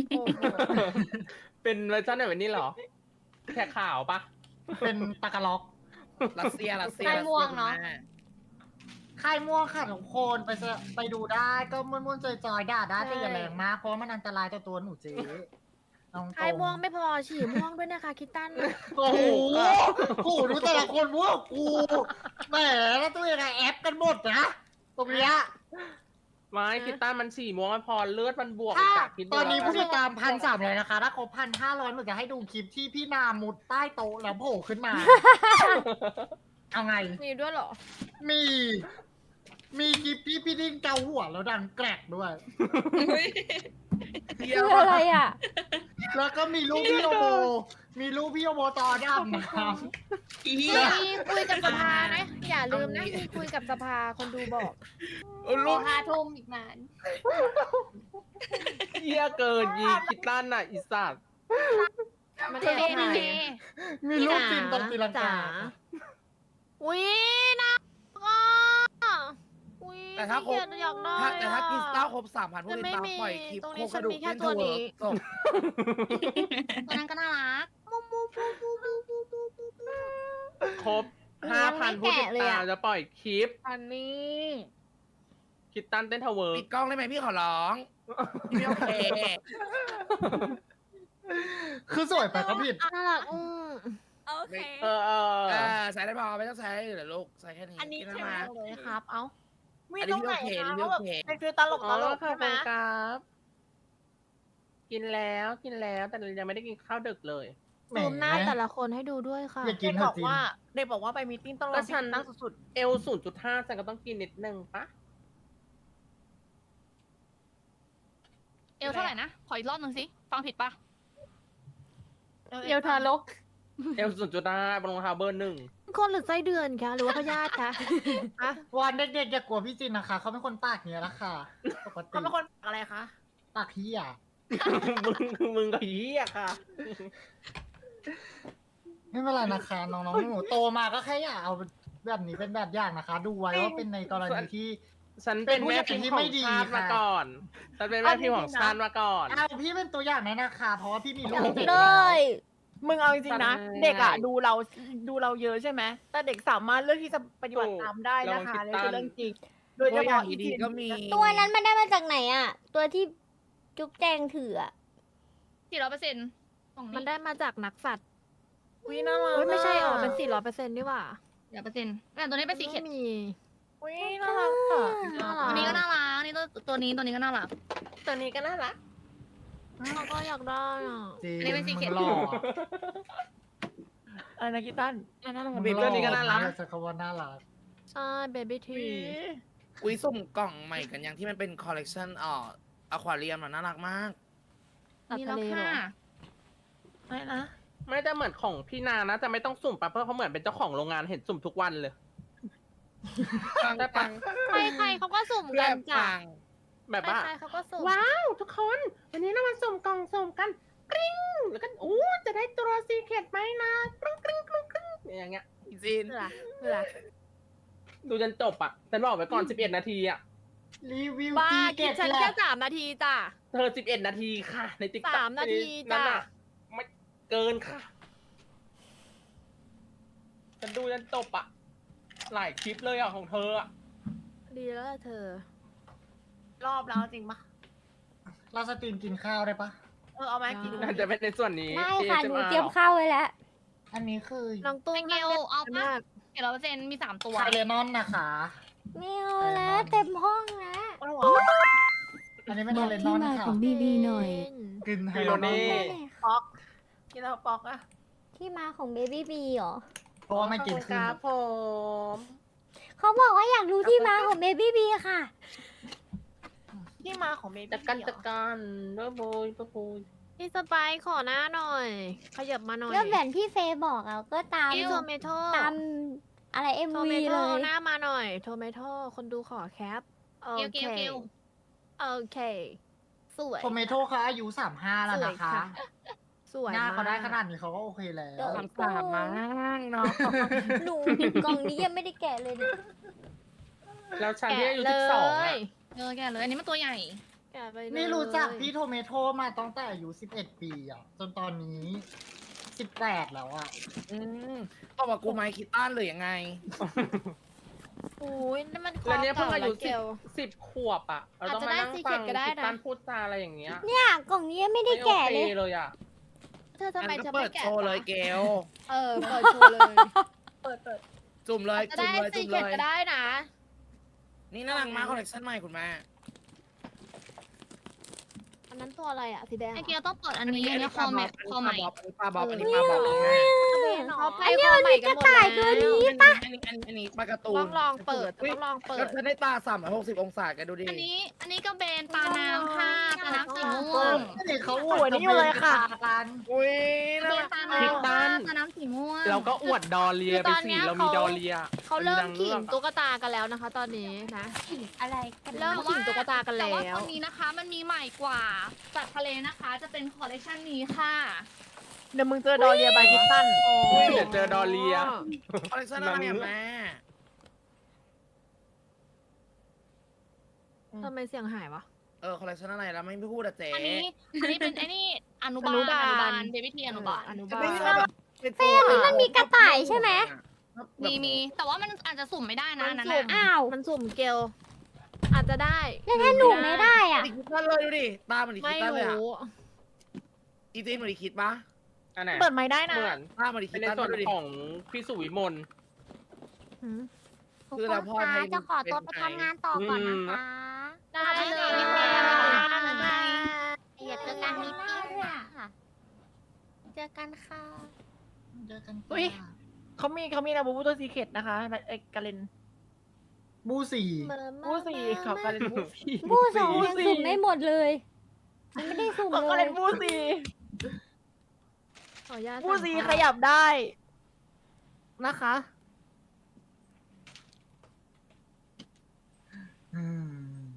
[SPEAKER 7] เป็นเวอร์ชันไหนแบบนี้เหรอ แค่ข่าวปะ
[SPEAKER 9] เป็นตากาล็อก
[SPEAKER 2] รัสเซียรัสเซีย
[SPEAKER 5] ค่ายม่วงเนอะ
[SPEAKER 2] รัสซีย
[SPEAKER 9] ค่ายม่วงค่ะทุกคนไปเสไปดูได้ก็ม่วนๆจอยๆด่าได้แต่อย่าแรงมาก เพราะว่ามันอันตรายต่อตัวหนูเจ๊เอาตรงๆ
[SPEAKER 6] ไข่ม่วงไม่พอฉี่ม่วงด้วยนะคะคิตตัน
[SPEAKER 9] โอ้โหโอ้โหดูแต่ละคนม่วงกูแหมแล้วตัวยังไงแอปกันหมดนะตรงเนี้ย
[SPEAKER 7] ไม่คิตตันมันสี่ม่วงไม่พอเลือดมันบวก
[SPEAKER 9] ถ้า
[SPEAKER 7] จากคิดดู
[SPEAKER 9] ตอนนี้
[SPEAKER 7] แล้ว
[SPEAKER 9] ผู้ติดตามพันสามเลยนะคะ ถ้าครบพันห้าร้อยหนูจะให้ดูคลิปที่พี่นามุดใต้โต๊ะแล้วโผล่ขึ้นมา เอาไง
[SPEAKER 6] มีด้วยเหรอ
[SPEAKER 9] มี มีคลิปที่พี่ดิ้งเกาหัวแล้วดังแกรกด้วย
[SPEAKER 2] เยี่ย
[SPEAKER 1] คือ
[SPEAKER 2] ม
[SPEAKER 1] อะไรอ่ะ
[SPEAKER 9] แล้วก็มีรูปพี่โอโบมีรูปพี่โอโบตอดำนะครับ
[SPEAKER 6] มีคุยกับสภานะ อย่าลืมนะมีคุยกับสภาคนดูบอก
[SPEAKER 2] เออ
[SPEAKER 5] ร
[SPEAKER 2] ลู
[SPEAKER 5] อก ห้าทุ่มอีกนาน
[SPEAKER 7] เหี้ยเกินยีคิตตันอ่ะอีสัตว์
[SPEAKER 6] มัน
[SPEAKER 4] เจ
[SPEAKER 6] จะ
[SPEAKER 4] เจ
[SPEAKER 6] ถ่าย
[SPEAKER 4] เจ
[SPEAKER 9] มีรูปฟินตรงตีลังกา
[SPEAKER 6] อุ้ยน่ารักอ่ะอุ้ย
[SPEAKER 2] แต่ถ้าครบ
[SPEAKER 6] ขี้เกียจอยากได้
[SPEAKER 2] ถ้าแต่ถ้า
[SPEAKER 6] อะ
[SPEAKER 2] คริสตัลครบสามพันผู้
[SPEAKER 6] แต่
[SPEAKER 2] ติด
[SPEAKER 6] ไม่
[SPEAKER 2] ตาม
[SPEAKER 6] มี
[SPEAKER 2] ปล่อยคลิป
[SPEAKER 6] ตรง
[SPEAKER 2] โค
[SPEAKER 6] นี้
[SPEAKER 2] ก
[SPEAKER 6] ฉั
[SPEAKER 2] ระ
[SPEAKER 6] น
[SPEAKER 2] ดูก
[SPEAKER 6] มีแค่
[SPEAKER 2] เล่น
[SPEAKER 6] ตั
[SPEAKER 2] เท
[SPEAKER 6] ว
[SPEAKER 2] อ
[SPEAKER 6] นี้
[SPEAKER 2] ร์จบ
[SPEAKER 4] ตัวนั้นก็น่ารัก
[SPEAKER 7] ครบห้าพันผู้ติด
[SPEAKER 1] เลย
[SPEAKER 7] ตาม
[SPEAKER 1] อะ
[SPEAKER 7] จะปล่อยคลิป
[SPEAKER 6] อันนี้
[SPEAKER 7] คิตตันเต้นทาวเวิร์
[SPEAKER 2] ปิดกล้องได้ไหมพี่ขอร้องพี่ไม่โอเค
[SPEAKER 9] คือสวยไปก็ผิด
[SPEAKER 6] น่ารักอืม
[SPEAKER 1] โอเค
[SPEAKER 7] เออเออ
[SPEAKER 2] เออใส่ได้พอไม่ต้องใช้เหรอลูกใส่แค่นี้
[SPEAKER 1] อันนี้
[SPEAKER 2] กิ
[SPEAKER 1] ใช่ไหม
[SPEAKER 2] มา
[SPEAKER 6] เลยครับ เอ้า
[SPEAKER 2] อันนี้พี่โอเคอันนี้พี่โอเค
[SPEAKER 6] เป็นฟิลตลก
[SPEAKER 7] อ๋
[SPEAKER 6] ต
[SPEAKER 7] อ
[SPEAKER 6] ลก
[SPEAKER 7] ค่ะ
[SPEAKER 6] ใช่ไหม
[SPEAKER 7] เป็นครับ กินแล้วกินแล้วแต่ยังไม่ได้กินข้าวดึกเลย
[SPEAKER 9] แหม
[SPEAKER 6] ซูมหน้าแต่ละคนให้ดูด้วยค่ะ
[SPEAKER 9] อย่ากินเถอะจิน
[SPEAKER 3] เด็กบอกว่าไปมีตติ้งต้องร
[SPEAKER 7] ก็
[SPEAKER 3] อ
[SPEAKER 7] ฉัน
[SPEAKER 3] นั่งสุด
[SPEAKER 7] เอลศูนย์จุดห้าฉันก็ต้องกินนิดนึงปะ
[SPEAKER 4] เอลเท่าไหร่นะ ขออีกรอบหนึ่งสิ ฟังผิดปะ
[SPEAKER 6] เอวทารก
[SPEAKER 7] เอลศูนย์จุดห้าบนรองเท้าเบอร์หนึ่ง
[SPEAKER 6] คนหรือไส้เดือนคะ หรือว่าพยาธิคะอะ
[SPEAKER 9] วันเด็กๆอย่ากลัวพี่จินนะคะ เขาเป็นคนปากเนี้ยละค่ะ ปก
[SPEAKER 3] ๆ
[SPEAKER 9] ติ
[SPEAKER 3] เขาเป็นคนอะไรคะ
[SPEAKER 9] ปากเฮีย
[SPEAKER 7] มึงมึงกับเหี้ยค่ะ
[SPEAKER 9] ไม่เป็นไรนะคะ น้องๆหนูๆโตมาก็แค่อยากเอาแบบนี้เป็นแบบอย่างนะคะ ดูไว้ว่าเป็นในกรณีที่
[SPEAKER 7] ฉันเป็นแม่พิมพ์ของชาติมาก่อน ฉันเป็นแม่พิมพ์ของชาติมาก่อน
[SPEAKER 9] เอาพี่เป็นตัวอย่างไหนนะคะ เพราะว่าพี่มีลูกเด็ก
[SPEAKER 1] เล
[SPEAKER 9] แล้ว
[SPEAKER 1] ย
[SPEAKER 3] มึงเอาจริงๆนะ
[SPEAKER 7] จำได้
[SPEAKER 3] เด็กอ่ะดูเราดูเราเยอะใช่ไหม แต่เด็กสามารถเลือกที่จะปฏิบัติ
[SPEAKER 7] ถูก
[SPEAKER 3] ตามได้นะคะ
[SPEAKER 7] ลองคิ
[SPEAKER 3] นี่
[SPEAKER 7] ด
[SPEAKER 3] คือ
[SPEAKER 7] ตาม
[SPEAKER 3] เรื่องจริง โดยเฉ
[SPEAKER 2] ตัวอย่า
[SPEAKER 3] พาะ
[SPEAKER 2] ง
[SPEAKER 3] อี
[SPEAKER 2] ดี
[SPEAKER 3] จิน
[SPEAKER 2] ๆก็มี
[SPEAKER 1] ตัวนั้นมันได้มาจากไหนอ่ะ ตัวที่จุ๊บแจงถืออ่ะ
[SPEAKER 4] สี่ร้อยเปอร์เซ็นต์กล่อง
[SPEAKER 5] มัน
[SPEAKER 4] นี้
[SPEAKER 5] ได้มาจากนักสัตว์
[SPEAKER 2] วิน่ารัก
[SPEAKER 5] เฮ้ยไม่ใช่อ๋อเป็นสี่ร้อยเปอร์เซ็นต์นี่หว่า
[SPEAKER 4] เดี๋ยวเปอร์เซ็นต์แต่ตัวนี้เป็นสีเขียว
[SPEAKER 5] ไม่มี
[SPEAKER 2] วิน่ารักอ่ะ
[SPEAKER 5] น่ารั
[SPEAKER 4] ตัวนี้ก็น่ารักนี่ตัวตัวนี้ตัวนี้ก็น่ารัก
[SPEAKER 3] ตัวนี้ก็น่ารัก
[SPEAKER 5] เราก็อยากได้อ่ะ
[SPEAKER 9] จริง
[SPEAKER 4] อันนี้เป็นสีเขียว
[SPEAKER 9] มึงหล่อ
[SPEAKER 2] อะไรนะกีตันน่ารัก
[SPEAKER 9] มึงหล่อใช้คำว่าน่ารัก
[SPEAKER 5] ใช่เบบี้ที
[SPEAKER 2] อุ้ยสุ่มกล่องใหม่กันยังที่มันเป็นคอลเลกชันอ่ออควาเรียมน่ารักมาก
[SPEAKER 5] ตัด
[SPEAKER 4] มี
[SPEAKER 5] ทะ
[SPEAKER 4] แล้ว
[SPEAKER 5] เลเหรอ
[SPEAKER 4] ค่ะ
[SPEAKER 2] ไม่นะ
[SPEAKER 7] ไม่ได้เหมือนของพี่นานะจะไม่ต้องสุ่มปะเพราะเขาเหมือนเป็นเจ้าของโรงงานเห็นสุ่มทุกวันเลย
[SPEAKER 2] ปัง
[SPEAKER 7] ได้
[SPEAKER 2] ปั
[SPEAKER 7] ปะ
[SPEAKER 2] ง
[SPEAKER 5] ใครๆเขาก็สุ่ม
[SPEAKER 2] เพื่
[SPEAKER 5] กั
[SPEAKER 2] อน
[SPEAKER 5] จ้ะ
[SPEAKER 2] ปัง
[SPEAKER 7] แบบว่า
[SPEAKER 5] ใครๆเขาก็สุ่ม
[SPEAKER 7] ว้าวทุกคน วันนี้เรามาสุ่มกล่องสุ่มกันกริ๊งแล้วก็อู้จะได้ตัวซีเคทไหมนะกริ๊งกริ๊งกริ๊งกริ๊งอย่างเงี้ย
[SPEAKER 2] จีน
[SPEAKER 5] เพื่อเพื่อ
[SPEAKER 7] ดูจนจบอ่ะฉันบอกไว้ก่อนสิบเอ็ดนาทีอ่ะ
[SPEAKER 9] รีวิว
[SPEAKER 5] บ้า
[SPEAKER 9] จี
[SPEAKER 5] คิ
[SPEAKER 9] เก
[SPEAKER 5] ด
[SPEAKER 9] ต
[SPEAKER 5] ฉัน
[SPEAKER 9] แห
[SPEAKER 5] แค่
[SPEAKER 9] ละ
[SPEAKER 5] สามนาทีจ้ะ
[SPEAKER 7] เธอสิบเอ็ดนาทีค่ะ ในติ๊กต็อก
[SPEAKER 5] สามนาทีจ้ะ
[SPEAKER 7] นั่นน่ะไม่เกินค่ะฉันดูจนจบอ่ะหลายคลิปเลยอ่ะของเธออ่ะ
[SPEAKER 5] ดีแล้วล่ะเธอ
[SPEAKER 3] รอบแล้วจริงปะ
[SPEAKER 9] เราสตรีมกินข้าวได้ปะ
[SPEAKER 3] เออเอามากิน
[SPEAKER 7] น่าจะเป็นในส่วนนี้
[SPEAKER 1] ได้ค่ะ หนู
[SPEAKER 7] เอ
[SPEAKER 1] เตรียมข้าวไว้แล้ว
[SPEAKER 9] อันนี้คือ
[SPEAKER 5] น้องตุ้
[SPEAKER 4] ไอ
[SPEAKER 5] ม
[SPEAKER 4] เกลเอา
[SPEAKER 5] มา
[SPEAKER 4] ปะ
[SPEAKER 5] ก
[SPEAKER 4] เจ็ดร้อยเปอร์เซ็นต์มีสามตัว
[SPEAKER 9] ไคเลนอนนะคะ
[SPEAKER 1] ไม่เอาแล้วเต็มห้องแล้ว
[SPEAKER 9] อันนี้เป็นไคเลนอนค่ะ
[SPEAKER 1] บีบีหน่อย
[SPEAKER 9] กินไฮ
[SPEAKER 7] ฟิ
[SPEAKER 9] โล
[SPEAKER 7] โล
[SPEAKER 9] นอ
[SPEAKER 7] เน่
[SPEAKER 9] น
[SPEAKER 3] ป๊อกกินแล้วป๊อกอะ
[SPEAKER 1] ที่มาของเบบี้บีเหรอ
[SPEAKER 9] เพราะว่าไม่กิน
[SPEAKER 3] ค
[SPEAKER 9] ขึ้น
[SPEAKER 3] รับผม
[SPEAKER 1] เขาบอกว่าอยากรู้ที่มาของเบบี้บีค่ะ
[SPEAKER 3] ที่มาของเบบี้
[SPEAKER 7] จักกันจักกันเบ้อโบยเบ้อโบย
[SPEAKER 5] พี่สไปซ์ขอหน้าหน่อย ขยับมาหน่อย
[SPEAKER 1] ก็แบบที่เฟย์บอกอะก็ตาม
[SPEAKER 5] พี่โทเมโต้
[SPEAKER 1] ตามอะไรเอ็ม
[SPEAKER 5] โทเม
[SPEAKER 1] วี
[SPEAKER 5] โต้
[SPEAKER 1] เลย
[SPEAKER 5] หน้ามาหน่อย โทเมโต้คนดูขอแคป โอ
[SPEAKER 4] เกล
[SPEAKER 5] เค
[SPEAKER 4] เกลเกล
[SPEAKER 5] โอเค สวย
[SPEAKER 9] โทเมโต้เขาอายุสามห้าแล้วนะคะ
[SPEAKER 5] สวย
[SPEAKER 9] หน้าเขาได้
[SPEAKER 5] มก
[SPEAKER 9] ขนาดนี้เขาก็โอเคแล้ว
[SPEAKER 2] สามสามมากเนาะ
[SPEAKER 1] หนูกล่องนี้ยังไม่ได้แกะเลยเนี่ย
[SPEAKER 7] แล้วฉันที่
[SPEAKER 5] แกะ
[SPEAKER 7] อายุ
[SPEAKER 5] เล
[SPEAKER 7] สิบสอง
[SPEAKER 5] ย
[SPEAKER 7] อ่ะ
[SPEAKER 4] เออแกเลยอันนี้มันตัวใหญ่
[SPEAKER 5] แกะไปเลย
[SPEAKER 9] นี่รู้จักพี่โทเมโต้มาตั้งแต่อายุสิบเอ็ดปีอ่ะ จนตอนนี้สิบแปดแล้วอ่ะ
[SPEAKER 2] อืมบอกว่ากูไมค์คิดต้านหรือยังไง
[SPEAKER 5] อุ้ยนั่นมันค
[SPEAKER 7] แล้วเนี้ยเพิ่งอายุ
[SPEAKER 5] เก
[SPEAKER 7] สิบ
[SPEAKER 5] ล
[SPEAKER 7] สิบขวบอ่ะเราต้องมานั่ง
[SPEAKER 5] อาจจะได้
[SPEAKER 7] ฟัง
[SPEAKER 5] secret ก็ได้นะ
[SPEAKER 7] คิดตันพูดจาอะไรอย่างเงี้ย
[SPEAKER 1] เนี่ยกล่องนี้ยังไม่ได้แกะเลย
[SPEAKER 7] ไม่โอคเลยอ่ะ
[SPEAKER 5] เธอทำไม
[SPEAKER 2] งั้น
[SPEAKER 5] เธ
[SPEAKER 2] ก็
[SPEAKER 5] อ
[SPEAKER 2] เปิ
[SPEAKER 5] ไม่
[SPEAKER 2] ด
[SPEAKER 5] แกะ
[SPEAKER 2] โชว์เลยเกล
[SPEAKER 5] เออ เปิดโชว์เลย
[SPEAKER 3] เปิดเปิด
[SPEAKER 2] จุ่มเลย
[SPEAKER 5] จะ
[SPEAKER 2] จุ่ม
[SPEAKER 5] ได้
[SPEAKER 2] เลย
[SPEAKER 5] ซี
[SPEAKER 2] จุ่ม
[SPEAKER 5] เก
[SPEAKER 2] เล
[SPEAKER 5] ต
[SPEAKER 2] ย
[SPEAKER 5] ก็ได้นะ
[SPEAKER 2] นี่น่ารักมากคอลเลคชันใหม่คุณแม่
[SPEAKER 5] อันนั้นตัวอะไรอ่ะ สีแดง
[SPEAKER 4] ไอเกลต้องเปิดอันนี้อันนี้คอแมทคอใหม่
[SPEAKER 2] อันนี้ปลาบ๊อบอันนี้ปลาบ๊อบอันนี้ปลาบ๊อบ
[SPEAKER 5] เขาไป
[SPEAKER 1] อันนี้
[SPEAKER 5] คอ
[SPEAKER 1] มัน
[SPEAKER 5] ใหม่
[SPEAKER 1] มี
[SPEAKER 5] กั
[SPEAKER 1] ก
[SPEAKER 5] น
[SPEAKER 1] ระ
[SPEAKER 5] หมด
[SPEAKER 1] ต่าย
[SPEAKER 5] แล้
[SPEAKER 1] ตัว
[SPEAKER 5] ว
[SPEAKER 1] นี้
[SPEAKER 2] อันนี้อันนี้อันนี้ปลาการ์ตูน
[SPEAKER 5] ต้องลองเปิด
[SPEAKER 2] อุ๊ย
[SPEAKER 5] ต้องลองเปิด
[SPEAKER 2] ก็จะได้ตาสามร้อยหกสิบองศาแกดูดิ
[SPEAKER 4] อันนี้อันนี้ก็เบนตาน้ำค่ะตาน้ำสีม่วง
[SPEAKER 9] นี่เขาอวดกัน
[SPEAKER 2] อุ้ย
[SPEAKER 4] เบ
[SPEAKER 2] น่าน รัก
[SPEAKER 4] ตา
[SPEAKER 7] คิด
[SPEAKER 4] น้ำ
[SPEAKER 7] บ้า
[SPEAKER 4] ค่ะ
[SPEAKER 7] น
[SPEAKER 4] ตาน้ำสีม่วง
[SPEAKER 7] เราก็อวดดอเลีย
[SPEAKER 5] คือ
[SPEAKER 7] ไป
[SPEAKER 5] ตอน
[SPEAKER 7] สิ
[SPEAKER 5] เนี้ย
[SPEAKER 7] เรามี
[SPEAKER 5] เขา
[SPEAKER 7] ดอเลีย
[SPEAKER 5] เขาเริ่ม
[SPEAKER 7] นาง
[SPEAKER 5] ขิง
[SPEAKER 7] อกอะ
[SPEAKER 5] ตุ๊กตากันแล้วนะคะ ตอนนี้นะ
[SPEAKER 1] อะไรกัน
[SPEAKER 5] เริ่มขิงตุ๊กตากัน
[SPEAKER 4] แต่
[SPEAKER 5] แล้
[SPEAKER 4] ว่าว ตัวนี้นะคะมันมีใหม่กว่าสัตว์ทะเลนะคะ จะเป็นคอลเลคชันนี้ค่ะ
[SPEAKER 3] เดี๋ยวมึงเจอดอเรียบายคิตตัน
[SPEAKER 7] เดี๋ยวเจอดอเลีย
[SPEAKER 2] คอลเลคชันอะไรอะแม่
[SPEAKER 5] ทำไมเสียงหายวะ
[SPEAKER 2] เออคอลเลคชันอะไรแล้วไม่พูดอะเจ๊
[SPEAKER 4] อันนี้อันนี้เป็นไอ้นี่อนุบาล
[SPEAKER 5] อนุบาล
[SPEAKER 4] อนุบาลเบบี้ทีอนุบาล
[SPEAKER 5] อนุ
[SPEAKER 2] จะ
[SPEAKER 5] บา
[SPEAKER 2] ไม่
[SPEAKER 5] ล
[SPEAKER 2] ใช่แบบเป็น
[SPEAKER 1] เฟย์มันมีกระต่ายใช่ไหม
[SPEAKER 4] มีมีแต่ว่ามันอาจจะสุ่มไม่ได้นะ
[SPEAKER 5] มัน
[SPEAKER 4] นั่น
[SPEAKER 5] สุ่ม
[SPEAKER 4] น่ะ
[SPEAKER 1] อ้าว
[SPEAKER 5] มันสุ่มเกล อาจจะได้
[SPEAKER 1] แล้วถ้าหนูไม่ได้อ่ะ
[SPEAKER 2] ดิคิดตันเลยดูดิตาเหมือนดิ
[SPEAKER 5] ไม่
[SPEAKER 2] คิดตันเลยอะ
[SPEAKER 5] รู้
[SPEAKER 2] อีจีนเหมือนดิคิดปะ
[SPEAKER 7] อันไหน
[SPEAKER 3] เปิดไม่ได้นะ
[SPEAKER 7] เหมือน
[SPEAKER 2] ตาเหมือนดิ
[SPEAKER 7] เป็
[SPEAKER 2] คิ
[SPEAKER 7] น
[SPEAKER 2] ด
[SPEAKER 7] ใน
[SPEAKER 2] ตัน
[SPEAKER 7] ส่วน
[SPEAKER 2] ดูดิ
[SPEAKER 7] ของพี่สุวิมล
[SPEAKER 5] หืม
[SPEAKER 2] คือเราพ่อให้
[SPEAKER 1] จะขอตัวไปทำงานต่อก่อนนะคะ
[SPEAKER 5] ได้เลย
[SPEAKER 1] อย่าเจอกันมีปิ้งค่ะ เจอกันค่ะ
[SPEAKER 9] เจอกัน
[SPEAKER 3] อุ๊ย เขามีเขามีนะบูบูตัวซีเคทนะคะไอ้กาเลน
[SPEAKER 9] บูสี่
[SPEAKER 3] บูสี่ขอกาเลนบูสี่
[SPEAKER 1] บูสองยังสุ่มไม่หมดเลยยังไม่ได้สุ่ม
[SPEAKER 3] ขอกา
[SPEAKER 1] เล
[SPEAKER 3] เลย นบูสี่
[SPEAKER 5] ขออนุญาต
[SPEAKER 3] บูสี่
[SPEAKER 5] สั่ง
[SPEAKER 3] ขยับได้นะคะ
[SPEAKER 9] อืม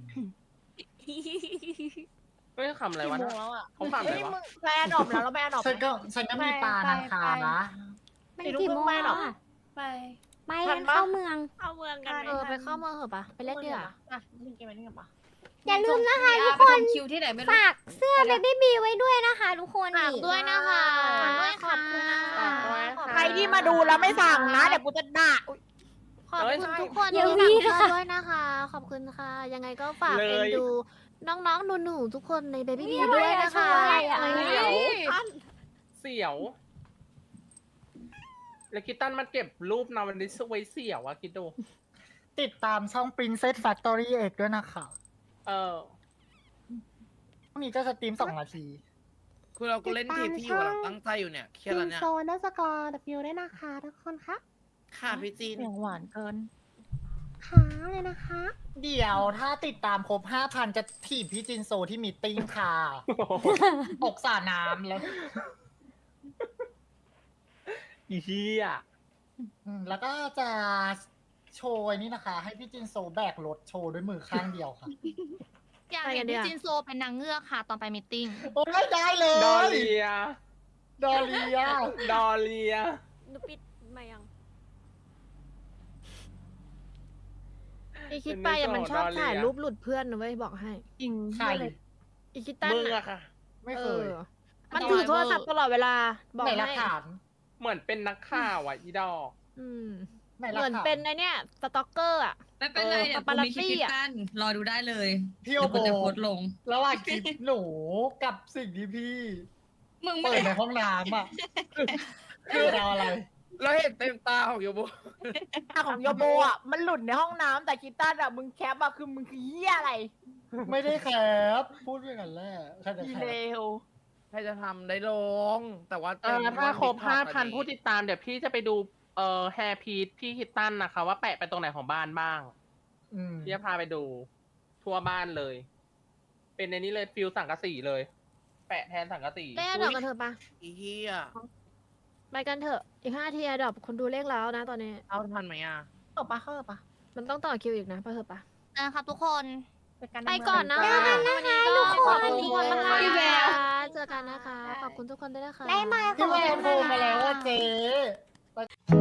[SPEAKER 7] ไม่คำอะไรวะ
[SPEAKER 3] กี่
[SPEAKER 7] นะ
[SPEAKER 3] โมงแล้วอ่ะ
[SPEAKER 7] เขาฟังอะไร
[SPEAKER 3] เฮ้ยว
[SPEAKER 7] ะ
[SPEAKER 3] มึงแปลดอบแล้วเราแปลดอบ
[SPEAKER 9] ฉันก็ฉันก็มีปลานาคานะ
[SPEAKER 1] มันกี่โมงแล้วอะ
[SPEAKER 3] ไป
[SPEAKER 1] ไปกันเข้าเมือง
[SPEAKER 3] เอาเมืองกัน
[SPEAKER 5] เออไปเข้าเมืองเหอะปะไปเล่นดีกว่า
[SPEAKER 3] อ่ะเล่นเกมอะไรกันปะ
[SPEAKER 1] อย่าลืมนะคะทุกคน
[SPEAKER 10] คิวที่ไหนไม่รู้
[SPEAKER 1] ฝากเสื้อเบบี้บีไว้ด้วยนะคะทุกคน
[SPEAKER 5] ฝาก
[SPEAKER 1] นี่
[SPEAKER 5] ด้วยนะคะ
[SPEAKER 4] ขอบคุณนะ
[SPEAKER 5] ขอบ
[SPEAKER 4] คะ
[SPEAKER 5] คุณนะคะ
[SPEAKER 3] ใครที่มาดูแล้วไม่สั่งนะเดี๋ยวกูจะด่าอุ๊ย
[SPEAKER 5] ขอบคุณทุกคน
[SPEAKER 1] อย่า
[SPEAKER 5] ที่
[SPEAKER 1] วี
[SPEAKER 5] สั่ง
[SPEAKER 1] นะคะ
[SPEAKER 5] เสื้อด้วยนะคะ ขอบคุณค่ะ ยังไงก็ฝาก
[SPEAKER 7] เลย
[SPEAKER 5] เอ็นดูน้องๆหนูๆทุกคนในเบบี้บีด้วยนะคะ
[SPEAKER 1] อะไรอะ
[SPEAKER 5] เดี๋ยว
[SPEAKER 7] เสี่ยว แล้วคิตตันมันเก็บรูปนาวันนี้ไว้เสี่ยวอะคิดดู
[SPEAKER 9] ติดตามช่อง Princess Factory เอกด้วยนะคะ
[SPEAKER 7] เออ
[SPEAKER 9] พรุ่งนี้จะสตรีมสองนาที
[SPEAKER 2] คือเราก็เล่นทีมที่อยู่หลังตั้งใจอยู่เนี่ยเครียด
[SPEAKER 7] จิ
[SPEAKER 2] แล้ว
[SPEAKER 7] น
[SPEAKER 2] เนี่ย
[SPEAKER 7] โซนดัสกอร์ดับยูได้นะคะทุกคนคะ
[SPEAKER 2] ค่ะพี่จีน
[SPEAKER 5] เสียงหวานเกิน
[SPEAKER 7] ขาเลยนะคะ
[SPEAKER 9] เดี๋ยวถ้าติดตามครบห้าพันจะถีบพี่จินโซที่มีตติ้งค่ะตกสระน้ำแล้ว
[SPEAKER 7] อีเหี้ย
[SPEAKER 9] อืมแล้วก็จะโชว์ไอ้นี่นะคะ ให้พี่จินโซแบกรถโชว์ด้วยมือข้างเดียวค่ะ
[SPEAKER 4] อยากเห็นพี่จินโซเป็นนางเงือกค่ะ ตอนไปมีตติ้ง
[SPEAKER 9] โอ้ยได้เลย
[SPEAKER 7] ดอเลีย
[SPEAKER 9] ดอเลีย
[SPEAKER 7] ดอเลีย
[SPEAKER 6] หนูปิดมายัง
[SPEAKER 7] อีคิดไปอะมันชอบถ่ายรูปหลุดเพื่อนนะเว้ยบอกให้
[SPEAKER 5] จริง
[SPEAKER 9] ใช่
[SPEAKER 7] อีคิดตัน
[SPEAKER 2] มึง
[SPEAKER 7] อะ
[SPEAKER 2] อะค่ะ
[SPEAKER 9] ไม่เคย
[SPEAKER 7] มันถือโทรศัพท์ตลอดเวลา บอก
[SPEAKER 9] ไหนหลัก
[SPEAKER 7] ให้
[SPEAKER 9] ฐาน
[SPEAKER 7] เหมือนเป็นนักข่าวอ่ะอีดอก อืม
[SPEAKER 9] ไหนห
[SPEAKER 7] เห
[SPEAKER 9] ลัก
[SPEAKER 7] มือน
[SPEAKER 9] ฐาน
[SPEAKER 7] เป็นไอเนี้ยสต็อกเกอร์อ่ะ
[SPEAKER 10] ไม่เป็นไร
[SPEAKER 7] เออ
[SPEAKER 10] เดี๋ยว
[SPEAKER 7] ปา
[SPEAKER 10] กู
[SPEAKER 7] ปารั
[SPEAKER 10] มี
[SPEAKER 7] ส
[SPEAKER 10] คลิป
[SPEAKER 7] ซี่
[SPEAKER 10] คิด
[SPEAKER 7] อะ
[SPEAKER 10] ตันรอดูได้เลย
[SPEAKER 9] พี่โอ
[SPEAKER 10] เดี๋ยว
[SPEAKER 9] โบ
[SPEAKER 10] กูจะโพสต์ลง
[SPEAKER 9] ระหว่างคลิปหนูกับสิ่งที่พี่
[SPEAKER 10] มึงไม่
[SPEAKER 9] เปิด
[SPEAKER 10] ได้
[SPEAKER 9] ในห้องน้ำอ่ะคือเราอะไร
[SPEAKER 2] เราเห็นเต็มตาของโยโบ
[SPEAKER 7] ของโยโบอ่ะ มันหลุดในห้องน้ำแต่คิตตันอ่ะ มึงแคปอ่ะ คือมึงคือเหี้ยอะไร
[SPEAKER 9] ไม่ได้แคปพูดด้วยกันแรกใครจะ
[SPEAKER 7] อี
[SPEAKER 9] แค
[SPEAKER 7] เล
[SPEAKER 9] ป
[SPEAKER 7] ว
[SPEAKER 2] ใครจะทำได้ลง แต่ว่า
[SPEAKER 11] เออถ้าครบ
[SPEAKER 2] ต็
[SPEAKER 11] ห้าม
[SPEAKER 2] ต
[SPEAKER 11] พัน
[SPEAKER 2] ตอ
[SPEAKER 11] ผู้ติดตามเดี๋ยวพี่จะไปดูเอ่อแฮร์พีทพี่คิตตันนะคะ ว่าแปะไปตรงไหนของบ้านบ้าง
[SPEAKER 9] อืม
[SPEAKER 11] พี่จะพาไปดู ทั่วบ้านเลย เป็นในนี้เลยฟิลสังกะสีเลย แปะแทนสังกะสี
[SPEAKER 7] เล่นเถอะกันเถอะปะ
[SPEAKER 2] อีเหี้ย
[SPEAKER 7] ไปกันเถอะ อีกห้าทีดอกคนดูเลขแล้วนะตอนนี้
[SPEAKER 2] เอาทันไหมอ่ะ
[SPEAKER 7] เข้าปะเข้าปะมันต้องต่อคิวอีกนะไปเถอะปะ
[SPEAKER 4] นะครับทุกคน
[SPEAKER 7] ไปก่อนนะ
[SPEAKER 1] เจอกันนะคะทุกคน
[SPEAKER 7] ขอบคุณทุกคนมาก
[SPEAKER 5] พี่แวว
[SPEAKER 7] เจอกันนะคะ ขอบคุณทุกคนด้วยนะคะ
[SPEAKER 1] ได้มาข
[SPEAKER 9] พี่
[SPEAKER 1] อบ
[SPEAKER 9] แว
[SPEAKER 1] คุ
[SPEAKER 9] ว
[SPEAKER 1] ณ
[SPEAKER 9] โทรมาแล้วว่า
[SPEAKER 1] ค่ะ
[SPEAKER 9] เจ๊